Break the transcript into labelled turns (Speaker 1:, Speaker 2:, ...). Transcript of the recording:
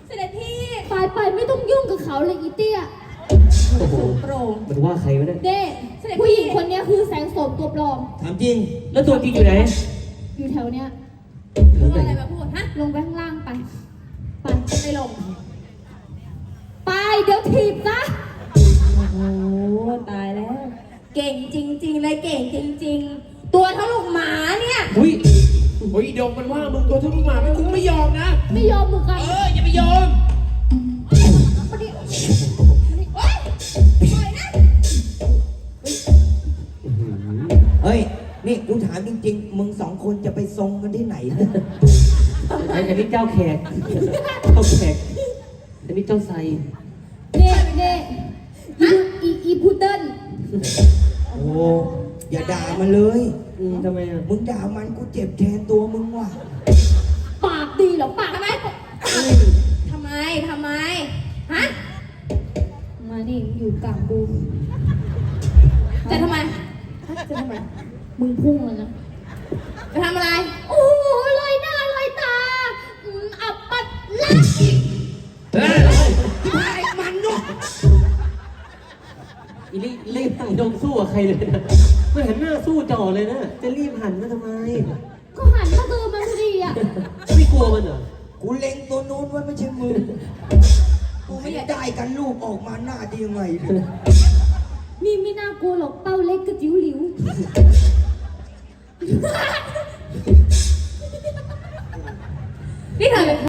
Speaker 1: เสด็จพี่
Speaker 2: ไปไม่ต้องยุ่งกับเขาเลยอีเตี้ย
Speaker 3: โอ้โห
Speaker 1: โปร่ง
Speaker 3: มันว่าใครวะเนี่ย
Speaker 2: เด้ผู้หญิงคนนี้คือแสงโสมตัวปลอม
Speaker 4: ถามจริง
Speaker 3: แล้วตัวจริงอยู่ไหน
Speaker 2: อยู่แถวเนี้ย
Speaker 1: รู้อะไรมาพูดฮะ
Speaker 2: ลงไปข้างล่างไป
Speaker 1: ไม่ลง
Speaker 2: ไปเดี๋ยวถีบซะ
Speaker 1: โอ้โหตายแล้ว เก่งจริงๆเลยเก่งจริงๆ ตัวเท่าลูกหมาเนี่ย
Speaker 3: อุ้ย
Speaker 5: เฮ้ยเดี๋ยวมันว่ามึงตัวเท่าลูกหมาไม่คุ้มไม่ยอมนะ
Speaker 2: ไม่ยอมมือกัน
Speaker 5: อย่าไปยอม
Speaker 1: มาดิโอ๊ยปล่อยนะ
Speaker 4: เฮ้ย นี่กูถามจริงๆ มึงสองคนจะไปทรงกันที่ไหนเนี่ย
Speaker 3: อันนี้เจ้าแขกเจ้าแขกอันนี้เจ้าไซ
Speaker 2: เด้อีพุดเดิ้ล
Speaker 4: โอ้อย่าด่ามันเลย
Speaker 3: ทำไมอ่ะ
Speaker 4: มึงด่ามันกูเจ็บแทนตัวมึงว่ะ
Speaker 2: ปากดีเหรอปาก
Speaker 1: ทำไมทำไมฮะ
Speaker 2: มานี่อยู่กลางกู
Speaker 1: จะทำไม
Speaker 2: มึงพุ่งเลยนะ
Speaker 1: จะทำอะไร
Speaker 2: โอ้โหลอยหน้าลอยตาอับปัดลัก
Speaker 4: ไอ้มันเนาะ
Speaker 3: อีรีบตั้งยงสู้กับใครเลยนะไม่หันหน้าสู้จ่อเลยนะจะรีบหันมาทำไม
Speaker 2: ก็หันมาเจอมันพอดีอ่ะ
Speaker 3: ไม่กลัวมันเหรอ
Speaker 4: กูเล็งตัวนู้นไว้ไม่ใช่มึง กูไม่ได้กันลูกออกมาหน้าดียังไงเนี่ย
Speaker 2: นี่ไม่น่ากลัวหรอกเป้าเล็กกระจิ๋วหลิว
Speaker 1: นี่เธอเป็น